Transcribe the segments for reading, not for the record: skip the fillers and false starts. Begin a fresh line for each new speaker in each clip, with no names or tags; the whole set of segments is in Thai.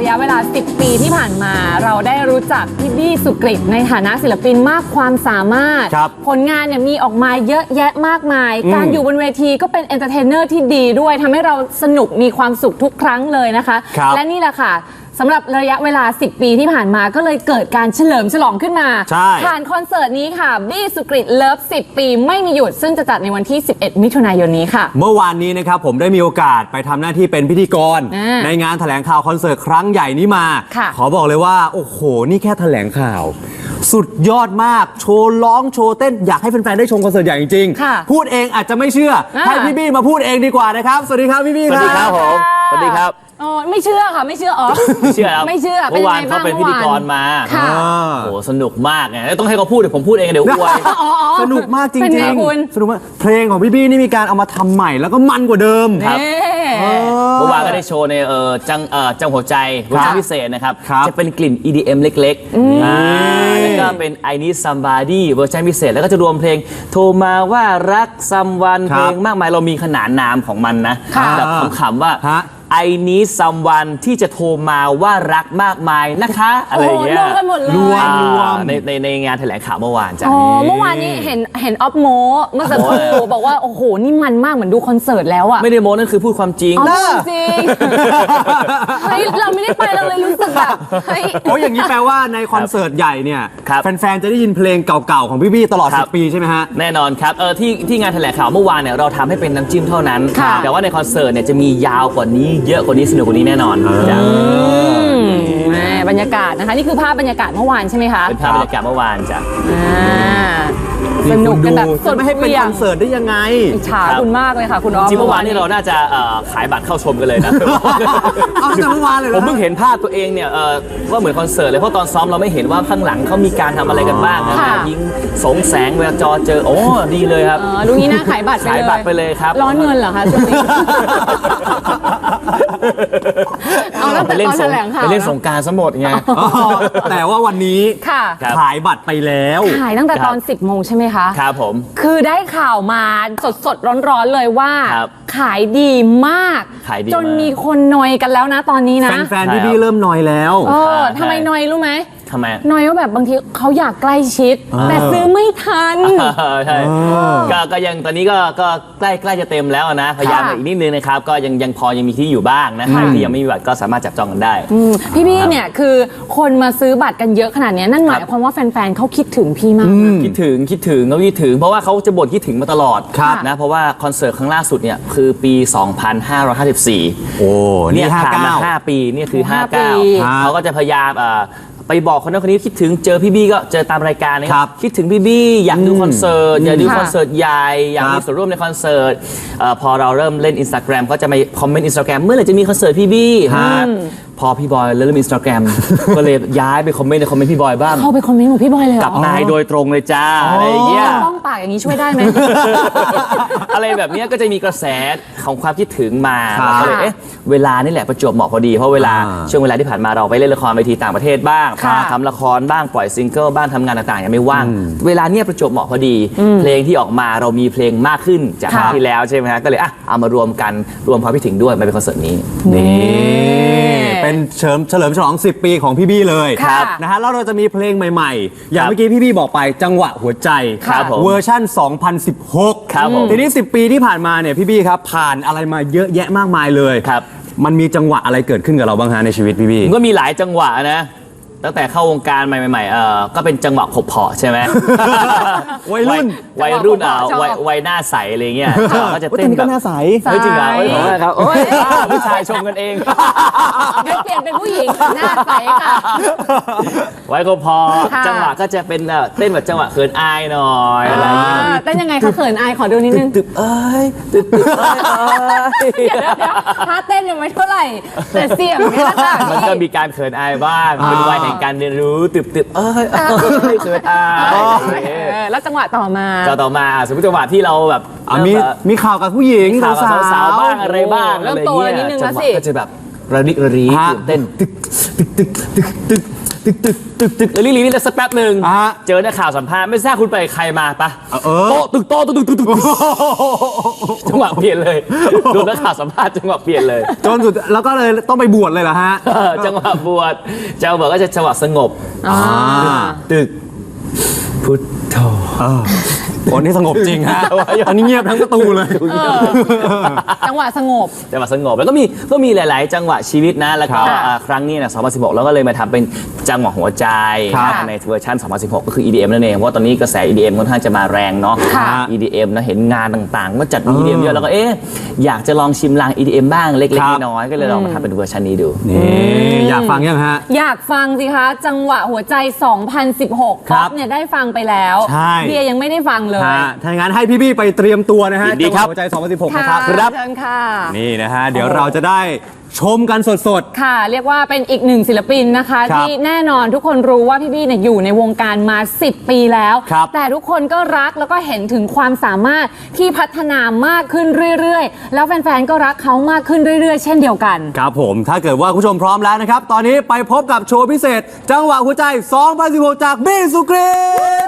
ระยะเวลา 10 ปีที่ผ่านมาเราได้รู้จักพี่บี้สุกฤตในฐานะศิลปินมากความสามารถผลงานเนี่ยมีออกมาเยอะแยะมากมายการอยู่บนเวทีก็เป็นเอนเตอร์เทนเนอร์ที่ดีด้วยทำให้เราสนุกมีความสุขทุกครั้งเลยนะคะและนี่แหละค่ะสำหรับระยะเวลา 10 ปีที่ผ่านมาก็เลยเกิดการเฉลิมฉลองขึ้นมาผ่านคอนเสิร์ตนี้ค่ะบี้สุกฤตเลิฟ 10 ปีไม่มีหยุดซึ่งจะจัดในวันที่ 11 มิถุนายนนี้ค่ะ
เมื่อวานนี้นะครับผมได้มีโอกาสไปทำหน้าที่เป็นพิธีกรในงานแถลงข่าวคอนเสิร์ตครั้งใหญ่นี้มาขอบอกเลยว่าโอ้โหนี่แค่แถลงข่าวสุดยอดมากโชว์ร้องโชว์เต้นอยากให้แฟนๆได้ชมคอนเสิร์ตใหญ่จริงๆพูดเองอาจจะไม่เชื่อให้พี่บี้มาพูดเองดีกว่านะครับสวัสดีครับพี่บี้ครับ
สวัสดีครับผมสวัสดีครับ
ไม่เชื่อค่ะไม่เชื่อ
ไม่เชื่อครับ
ไม่เชื่อ
เมื่อวานเขาเป็นพิธีกรมาโอ้โหสนุกมากไงต้องให้เขาพูดเดี๋ยวผมพูดเองเดี๋ยวอวย
สนุกมากจริงๆสนุกมากเพลงของพี่บี้นี่มีการเอามาทำใหม่แล้วก็มันกว่าเดิม
ครับเมื่อวานก็ได้โชว์ในจังหัวใจเวอร์ชันพิเศษนะครับจะเป็นกลิ่น EDM เล็กๆแล้วก็เป็น I Need Somebody เวอร์ชันพิเศษแล้วก็จะรวมเพลงโทรมาว่ารักซัมวันเพลงมากมายเรามีขนานนามของมันนะแบบขำๆว่าI need someone ที่จะโทรมาว่ารักมากมายนะคะอะไรอย่างเงี้ย
รวมกันหมดเลย
รวม
ในงานแถลงข่าวเมื่อวานจ้ะ
เมื่อวานนี้เห็นออฟโมเมื่อสักครู่บอกว่าโอ้โหนี่มันมากเหมือนดูคอนเสิร์ตแล้วอะ
ไม่ได้โมนั่นคือพูดความจริง
จริงเฮ้ยเราไม่ได้ไปเราเลยรู้สึกแบบ
โอ้อย่างนี้แปลว่าในคอนเสิร์ตใหญ่เนี่ยแฟนๆจะได้ยินเพลงเก่าๆของพี่บี้ตลอด10 ปีใช่ไหมฮะ
แน่นอนครับที่งานแถลงข่าวเมื่อวานเนี่ยเราทำให้เป็นน้ำจิ้มเท่านั้นแต่ว่าในคอนเสิร์ตเนี่ยจะมียาวกว่านี้เยอะกว่านี้สนุกกว่านี้แน่นอน
บรรยากาศนะคะนี่คือภาพบรรยากาศเมื่อวานใช่ไหมคะ
เป็นภาพบรรยากาศเมื่อวานจ้ะ
สนุกกันแบบสด
ไม่ให้เป็นคอนเสิร์ตได้ยังไง
อิจฉาคุณมากเลยค่ะคุณออฟ
จริงเมื่อวานนี่เราน่าจะขายบัตรเข้าชมกันเลยนะ
เอาแต่เมื่อวานเลย
ผมเพิ่งเห็นภาพตัวเองเนี่ยว่าเหมือนคอนเสิร์ตเลยเพราะตอนซ้อมเราไม่เห็นว่าข้างหลังเขามีการทำอะไรกันบ้างนะยิงสงแสงเวลาจอเจอโอ้ดีเลยครับ
ดูนี้น่าขายบัตร
ไปเลยครับ
ร้อนเงินเหรอคะช่วงนี้เอาตั้งแต่ตอนแถลงข่าว
ไปเล่นสงกรานต์ซะหมดไง
แต่ว่าวันนี้ขายบัตรไปแล้ว
ขายตั้งแต่ตอน 10 โมงใช่ไหมคะ
ครับผม
คือได้ข่าวมาสดร้อนๆเลยว่าขายดีมากจนมีคนนอยกันแล้วนะตอนนี้นะ
แฟนๆพี่เริ่มนอยแล้ว
ทำไมนอยรู้ไหม
ทำไม
นอยว่าแบบบางทีเขาอยากใกล้ชิดแต่ซื้อไม่ทัน
ใช่ก็ยังตอนนี้ก็ใกล้จะเต็มแล้วนะพยายามอีกนิดนึงนะครับก็ยังพอยังมีที่อยู่บ้างนะใครที่ยังไม่มีบัตรก็สามารถจับจองกันได้
พี่บี้เนี่ยคือคนมาซื้อบัตรกันเยอะขนาดนี้นั่นหมายความว่าแฟนๆเขาคิดถึงพี่มาก
คิดถึงเขาคิดถึงเพราะว่าเขาจะบ่นคิดถึงมาตลอดนะเพราะว่าคอนเสิร์ตครั้งล่าสุดเนี่ยคือปี 2554โอ้
เนี่ย
ผ่านมา5 ปีนี่คือ59เขาก็จะพยายามไปบอกคนนั้นคนนี้คิดถึงเจอพี่บี้ก็เจอตามรายการนี่คิดถึงพี่บี้อยากดูคอนเสิร์ตอยากดูคอนเสิร์ตใหญ่อยากมีส่วนร่วมในคอนเสิร์ตพอเราเริ่มเล่น Instagram ก็จะมาคอมเมนต์ Instagram เมื่อไหร่จะมีคอนเสิร์ตพี่บี้พอพี่บอยเริ่ม Instagram ก็เลยย้ายไปคอมเมนต์ในคอมเมนต์พี่บอยบ้าง
เข้าไปคอมเมนต์ของพี่บอยเลย
กับนายโดยตรงเลยจ้าอะไรอย่างเงี้ย
ต้องปากอย่างนี้ช่วยได้ไหม
อะไรแบบนี้ก็จะมีกระแสของความคิดถึงมาก็เลยเวลานี่แหละประจวบเหมาะพอดีเพราะเวลาช่วงเวลาที่ผ่านมาเราไปเล่นละครเวทีต่างประเทศบ้างทำละครบ้างปล่อยซิงเกิลบ้างทำงานต่างๆยังไม่ว่างเวลาเนี่ยประจวบเหมาะพอดีเพลงที่ออกมาเรามีเพลงมากขึ้นจากครั้งที่แล้วใช่ไหมฮะก็เลยเอามารวมกันรวมความคิดถึงด้วยมาเป็นคอนเสิร์ตนี้
เป็นเฉลิมฉลอง10 ปีของพี่บี้เลยนะฮะแล้วเราจะมีเพลงใหม่ๆอย่างเมื่อกี้พี่บี้บอกไปจังหวะหัวใจเวอร์ชั่น 2016ทีนี้10 ปีที่ผ่านมาเนี่ยพี่บี้ครับผ่านอะไรมาเยอะแยะมากมายเลยมันมีจังหวะอะไรเกิดขึ้นกับเราบ้างฮะในชีวิตพี่บี้
ก็มีหลายจังหวะนะตั้งแต่เข้าวงการใหม่ๆก็เป็นจังหวะขบเพาะใช่ไหม
วัยรุ่น
วัยหน้าใสอะไรเงี้ยก็จะเต้น
แบบหน้าใส
จริงเหรอครับผู้ชายชมกันเอง
เดี๋ยวเปลี่ยนเป็นผู้หญิงหน้าใสค่ะ
วัยขบเพาะจังหวะก็จะเป็นเต้นแบบจังหวะเขินอายหน่อยอะไรเงี้ย
เต้นยังไงคะเขินอายขอดูนิดนึง
ตึบเอ้ยตึบ
เดี๋ยวถ้าเต้นยังไม่เท่าไหร่แต่เสียงเนี่ยนะคะ
มันก็มีการเขินอายบ้างเป็นวัยแห่งการเรียนรู้ตึบเขินอาย
แล้วจังหวะต่อมา
สมมติจังหวะที่เราแบบ
มีข่าวกับผู้หญิง
สาวบ้างอะไรบ้าง
เริ่มโตนิดนึงแล้วสิ
ก็จะแบบระดิกระรีตื่นเต้นตึกตึกตึกตึกตึกแล้วลีนี่สักแป๊บหนึ่ง
อ่ะ
เจอนักข่าวสัมภาษณ์ไม่ทราบคุณไปใครมาปะ
เออ
โต๊ะตึกโต๊ะตึกตึกตึกตึกจังหวะเปลี่ยนเลยดูนักข่าวสัมภาษณ์จังหวะเปลี่ยนเลย
จนสุดแล้วก็เลยต้องไปบวชเลยเหรอฮะ
จังหวะบวชเจ้าบอกก็จะจังหวะสงบ
ตึก
พุทโธ
คนที่สงบจริงฮะอันนี้เงียบทั้งประตูเลย
จังหวะสงบ
จังหวะสงบแล้วก็มีหลาย ๆ จังหวะชีวิตนะแล้วก็
ครับ
ครั้งนี้นะ2016 แล้วก็เลยมาทำเป็นจังหวะหัวใจ
ครับ
ในเวอร์ชัน2016 ก็คือ EDM นั่นเองเพราะว่าตอนนี้กระแส EDM ค่อนข้างจะมาแรงเนาะ
ค่ะ
EDM นะเห็นงานต่าง ๆ ก็จัด EDM เยอะแล้วก็อยากจะลองชิมลาง EDM บ้างเล็ก
ครับ
ๆ น้อย ๆ ก็เลยลองมาทำเป็นเวอร์ชันนี้ดู
นี่อยากฟังยังฮะ
อยากฟังสิคะ จังหวะหัวใจ 2016
ครั
ป๊อบ ปเนี่ยได้ฟังไปแล้ว
ใช่
เบียร์ยังไม่ได้ฟังเลย
ฮะถ้าอย่างนั้นให้พี่บี้ไปเตรียมตัวนะฮะ
ยินดีครับ
จังหวะหัวใจ 2016 นะครับ
เชิญค่ะ
นี่นะฮะ เดี๋ยวเราจะได้ชมกันสด
ค่ะ เรียกว่าเป็นอีกหนึ่งศิลปินนะคะ
ครับ
ที่แน่นอนทุกคนรู้ว่าพี่บี้เนี่ยอยู่ในวงการมา 10 ปีแล้ว
ครับ
แต่ทุกคนก็รักแล้วก็เห็นถึงความสามารถที่พัฒนามากขึ้นเรื่อยๆ แล้วแฟนๆ ก็รักเขามากขึ้นเรื่อยๆ เช่นเดียวกัน
ครับผมถ้าเกิดว่าคุณผู้ชมพร้อมแล้วนะครับ ตอนนี้ไปพบกับโชว์พิเศษ จังหวะหัวใจ 2016 จากบี้สุกรีต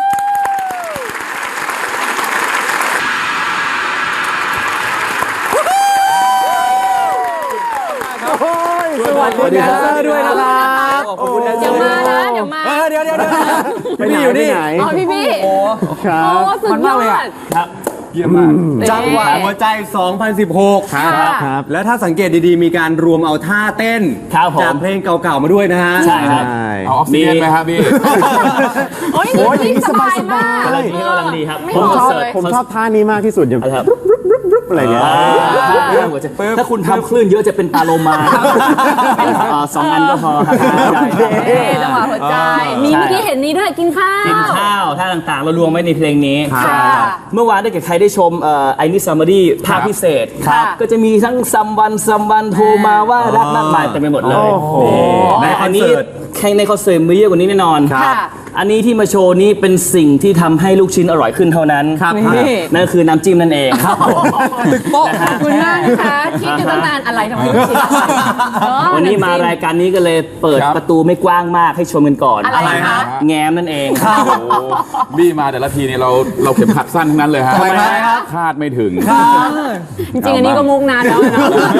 สวัสดีครับด้วยนะครับ
ขอบคุณนะ
เดี๋ยวมานะเดี๋ยวมา
เดี๋ยวพี่อยู่นี่
อ๋อพี่บี้โอ้สุดยอด
เยี่ยมมาก
จังหวะหัวใจ 2016
ครับ
แล้วถ้าสังเกตดีๆ มีการรวมเอาท่าเต้น
ครับผม
จากเพลงเก่าๆ มาด้วยนะฮะ
ใช่ครับ
เอาออกซิเจนไหมครับพี่
โอ้ยนี่สบายมาก
กำลังดีกำลังดีครับ
ไม่
ผม
ห
ค
อ
อน
ก
เสิร์
เล
ต
ย
ผมชอบท่านี้มากที่สุดอย่าง
ครับ
อะไรเงี้ย
ถ้าคุณทำคลื่นเยอะจะเป็นปลาโลมาสองอันก็พอครับ
จังหวะหัวใจ มีเมื่อกี้เห็นนี้ด้วยกินข้าว
กินข้าวท่าต่างๆ เรารวมไว้ในเพลงนี้
ค่ะ
เมื่อวานได้เกิดใครได้ชมไอ้นี่ซัมบอดี้ภาคพิเศษ
ครับ
ก็จะมีทั้งซัมวันโทรมาว่ารักมากมายเต็มไปหมดเลย
ในคอนเสิร์ต
แข่งในคอนเสิร์ตมีเยอะกว่านี้แน่นอน
ค่ะ
อันนี้ที่มาโชว์นี้เป็นสิ่งที่ทำให้ลูกชิ้นอร่อยขึ้นเท่านั้น
นี่
นั่นคือน้ำจิ้มนั่นเองตึกโป๊ะ
ขอบคุณมากนะคะคิดอยู่ตั้งนานอะไรทำไมไม่คิด
วันนี้มารายการนี้ก็เลยเปิด
ครับ
ประตูไม่กว้างมากให้ชมกันก่อน
อะไรคะ
แง้มนั่นเอง
โอ้โหบี้มาแต่ละทีนี่เราเข็มขัดสั้นทั้งนั้นเลยฮะ
ทำไมครับ
คาดไม่ถึง
จริงๆอันนี้ก็มุกนานแล้วนะ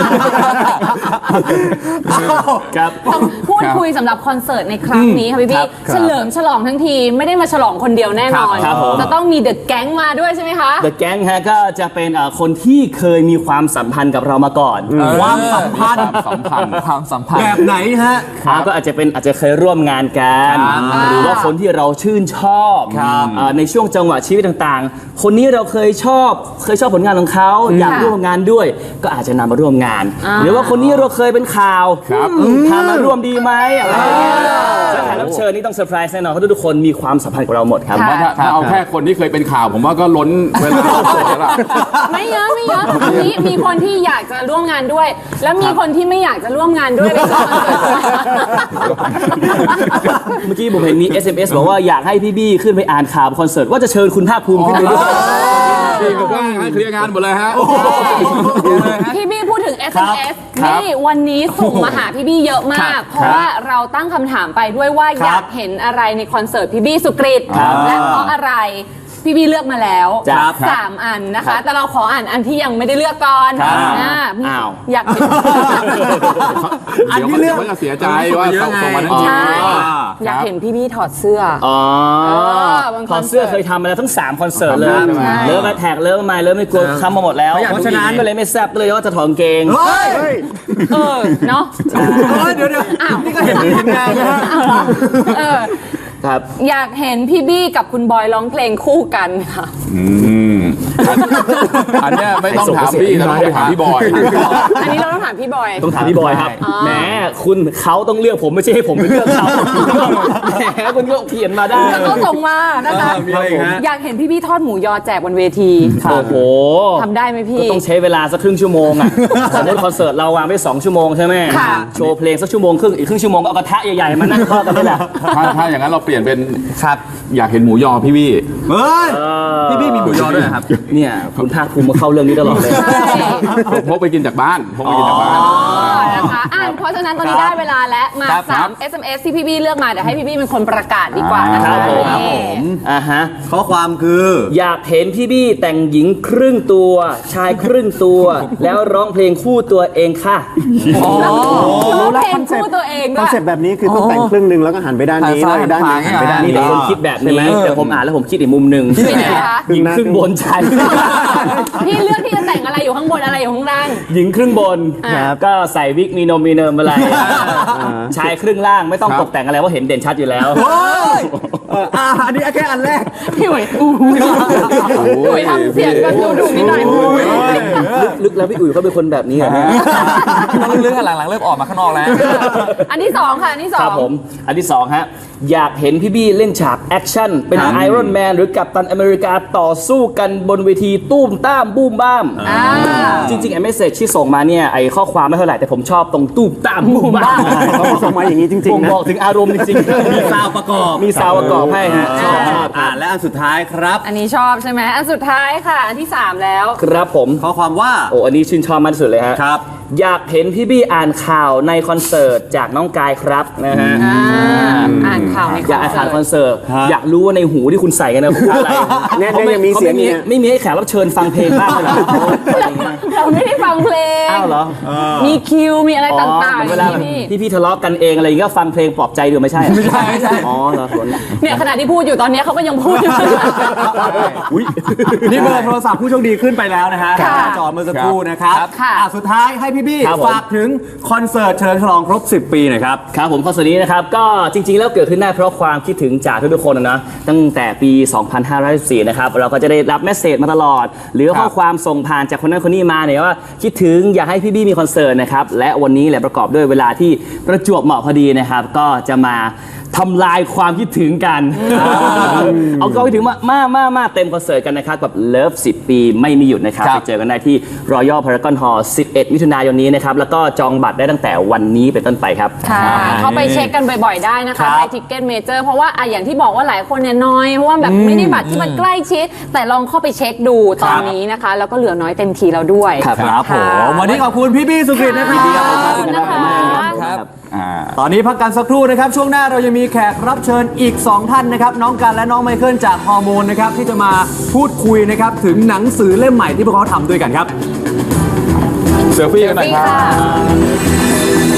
ครับ
ต้องพูดคุยสำหรับคอนเสิร์ตในครั้งนี้ค่ะพี่
ครั
บี้
บ
เฉลิมฉลองทั้งทีไม่ได้มาฉลองคนเดียวแน่นอน
ครับผม
จะต้องมีเดอะแก๊งมาด้วยใช่ไหมคะ
The Gang ฮะก็จะเป็นคนที่เคยมีความสัมพันธ์กับเรามาก่อน
ความสัมพันธ์
ความสัมพันธ์
แบบไหนฮะ
ก็อาจจะเคยร่วมงานกัน หรือว่าคนที่เราชื่นชอบในช่วงจังหวะชีวิตต่างๆ คนนี้เราเคยชอบผลงานของเขาอยากร่วมงานด้วย ก็อาจจะนำมาร่วมงาน หรือว่าคนนี้เราเคยเป็นข่าวพามาร่วมดีไหมอะไรอย่างเงี้ยและแขกรับเชิญนี่ต้องเซอร์ไพรส์แน่นอนเพราะทุกคนมีความสัมพันธ์กับเราหมดครับ
ผมว่าถ้าเอาแค่คนที่เคยเป็นข่าว ผมว่าก็ล้นเวลาเสร็จแล้วล่ะ
ไม่เยอะตอนนี้มีคนที่อยากจะร่วมงานด้วย แล้วมีคนที่ไม่อยากจะร่วมงานด้วยเลยค่ะ
เมื่อกี้ผมเห็นมี SMS บอกว่าอยากให้พี่บี้ขึ้นไปอ่านข่าวคอนเสิร์ตว่าจะเชิญคุณภาคภูมิขึ้นไปด้วย
พี่ก็ว่างให้เคลียร์งานหมดเลยฮะ
พี่บี้พูดถึง SMS
ครับ
นี่วันนี้ส่งมาหาพี่บี้เยอะมาก เพราะว่าเราตั้งคำถามไปด้วยว่าอยากเห็นอะไรในคอนเสิร์ตพี่บี้สุกฤตและเพราะอะไรพี่บี้เลือกมาแล้ว
ครับ
3 อันนะคะ แต่เราขออ่านอันที่ยังไม่ได้เลือกก่อน
ครับ
อ่า
อ้าว
อยากเห็น
อันที่เลือก
เขาจะเสียใจว่าเขาส่งมาทั้งที
ใช่อยากเห็นพี่บี้ถอดเสื้อ
อ๋อ
วัน
คอนเสิร์ตเคยทำมาแล้วทั้ง 3 คอนเสิร์ตเลย
ใช่
เลิฟมาแท็กเลิฟมาเลิฟไม่กลัวทำมาหมดแล้ว
เพราะฉะนั้น
ก็เลยไม่แซ่บเลยว่าจะถอดกางเกง
เฮ้ย
เนาะ
เดี๋ยวนี่ก็เห็นทีมงานนะฮะ
เออ
ครับ
อยากเห็นพี่บี้กับคุณบอยร้องเพลงคู่กันค่ะ
อันเนี้ยไม่ต้องถามพี่แต่ต้องไปถามพี่บอย
อันนี้เราต้องถามพี่บอย
ต้องถามพี่บอยครับแหมคุณเขาต้องเลือกผมไม่ใช่ให้ผมไปเลือกเขาแหมคุณก็เขียนมาได้
แล้วก็ส่งมานะคะ
มีอะไรอีกฮะ
อยากเห็นพี่บี้ทอดหมูยอแจกบนเวที
โอ้โห
ทำได้ไหมพี่
ก็ต้องใช้เวลาสักครึ่งชั่วโมงอ่ะสมมติคอนเสิร์ตเราวางไว้2 ชั่วโมงใช่ไหม
ค่ะ
โชว์เพลงสักชั่วโมงครึ่งอีกครึ่งชั่วโมงก็เอากระทะใหญ่ๆมานั่งทอดกันนี่แหละ
ถ้าอย่างนั้นเราเปลี่ยนเป็นอยากเห็นหมูยอพี่บี้
เฮ้ย พี่บี้มีหมูยอด้วยเหรอครับ
เนี่ยคุณภาคภูมิมาเข้าเรื่องนี้ตลอดเลย
ใช่
พกไปกินจากบ้านพกไปกินจากบ้าน
นะคะเพราะฉะนั้นตอนนี้ได้เวลาแล้วมา 3 SMS ที่พี่บี้เลือกมาเดี๋ยวให้พี่บี้เป็นคนประกาศดีกว่านะ
ค
คะ
รับผม ฮะ
ข้อความคือ
อยากเห็นพี่บี้แต่งหญิงครึ่งตัว ชายครึ่งตัว แล้วร้องเพลงคู่ตัวเองค่ะ
รู้เพลงคู่ตัวเอง
ค
ด้
อน
วย
เซ็ปต์แบบนี้คือต้องแต่งครึ่งหนึงแล้วก็หันไปด้านนี้แล้วอีกด้านหนึงหันไปด้าน
มี
นี้
แต่คนคิดแบบนี้แต่ผมอ่านแล้วผมคิดอีกมุมหนึ่ง
เป็นไงคะ
หญิงครึ่งบนชาย
พี่เลือกที่จะแต่งอะไรอยู่ข้างบนอะไรอยู่ข้างล่าง
หญิงครึ่งบน
ครับ
ก็ใส่วิกมีนมมีเนิมอะไร ชายครึ่งล่างไม่ต้องตกแต่งอะไรเพราะเห็นเด่นชัดอยู่แล้ว
อันนี้แค่อันแรก
พี่หวยพี่ทำเสียงกันดูนิดหน่อย
ลึกแล้วพี่อุ๋ยเขาเป็นคนแบบนี้เหรอเนี่ย
ต้องเลือกหลังๆเริ่มออกมาข้างนอกแล้ว
อันที่สองค่ะอันที่สอ
ครั
ง
บผมอันที่สองฮะอยากเห็นพี่บี้เล่นฉากแอคชั่นเป็นไอรอนแมนหรือกัปตันอเมริกาต่อสู้กันบนเวทีตุ้มต้ามบูมบ้าม จริงๆไอ้เมสเซจที่ส่งมาเนี่ยไอ้ข้อความไม่เท่าไหร่แต่ผมชอบตรงตุ้มต้ามบูมบ้าม
เขาส่งมาอย่างนี้จริง
ผม
ๆนะ
บอกถึงอารมณ์จริงๆ
มีซาวประกอบ
มีซาวประกอบให้ฮะชอบ
และอันสุดท้ายครับ
อันนี้ชอบใช่ไหมอันสุดท้ายค่ะ อันที่สามแล้ว
ครับผม
ข้อความว่า
โอ้อันนี้ชื่นชอบมากที่สุดเลยฮะ
ครับ
อยากเห็นพี่บี้อ่านข่าวในคอนเสิร์ตจากน้องกายครับนะฮะ
อ่านข่าวในค
อยาก
อน
อ่าน
เสิ
ข่าว
ร์ต
คอนเสิร์ต
ฮะ
อยากรู้ว่าในหูที่คุณใส่กันนะคืออะไร
เนี่ยยังมีเสียงอยู่เนี่ย
ไม่มีให้แขกรับเชิญฟังเพลงบ้างเหรอ
เราไม่ได้ฟังเพลง
อ้าวเหรอ
มีคิว มีอะไรต่างๆ
เวลา
พี่
พี่ทะเลาะกันเองอะไรอย่างเงี้ยก็ฟังเพลงปลอบใจดูไม่ใช่เหรอไม่ใช่อ๋อเหรอส่วน
เนี่ยขณะที่พูดอยู่ตอนนี้เขาก็ยังพูดอยู่
นี่เบอร์โทรศัพท์ผู้โชคดีขึ้นไปแล้วนะฮะ
ค่ะ
หน้าจอเมื่อสักครู่นะครับ
ค่ะ
สุดท้ายให้พี่บี้
ครับผม
ฝากถึงคอนเสิร์ตเฉลิมฉลองครบ 10 ปีหน่อยครับ
ครับผมคอนเสิร์ตนี้นะครับก็จริงๆแล้วเกิดขึ้นได้เพราะความคิดถึงจากทุกๆคนนะตั้งแต่ปี 2514 นะครับเราก็จะได้รับเมสเซจมาตลอด หรือข้อความส่งผ่านจากคนนั้นคนนี้มาเนี่ยว่าคิดถึงอยากให้พี่บี้มีคอนเสิร์ตนะครับและวันนี้แหละประกอบด้วยเวลาที่ประจวบเหมาะพอดีนะครับก็จะมาทำลายความคิดถึงกันเอาก็ไปถึงมาเต็มคอนเสิร์ตกันนะครับกับเลิฟ10 ปีไม่มีหยุดนะครับไปเจอกันได้ที่ Royal Paragon Hall 11 มิถุนายนนี้นะครับแล้วก็จองบัตรได้ตั้งแต่วันนี้เป็นต้นไปครับ
ค่ะเข้าไปเช็คกันบ่อยๆได้นะคะไทยทิกเก็ตเมเจอร์เพราะว่าอย่างที่บอกว่าหลายคนเนี่ยน้อยเพราะว่าแบบไม่ได้บัตรที่มันใกล้ชิด แต่ลองเข้าไปเช็คดูตอนนี้นะคะ แล้วก็เหลือน้อยเต็มทีแล้วด้วย
ครับผมวันนี้ขอบคุณพี่บี้สุกฤตนะครับ
ขอบคุณนะคะ
ครับ
ตอนนี้พักกันสักครู่นะครับ ช่วงหน้าเรายังมีแขกรับเชิญอีก 2 ท่านนะครับ น้องกันและน้องไมเคิลจากฮอร์โมนนะครับ ที่จะมาพูดคุยนะครับ ถึงหนังสือเล่มใหม่ที่พวกเขาทำด้วยกันครับ
เซลฟี่กันหน่อยครับ
ค่ะ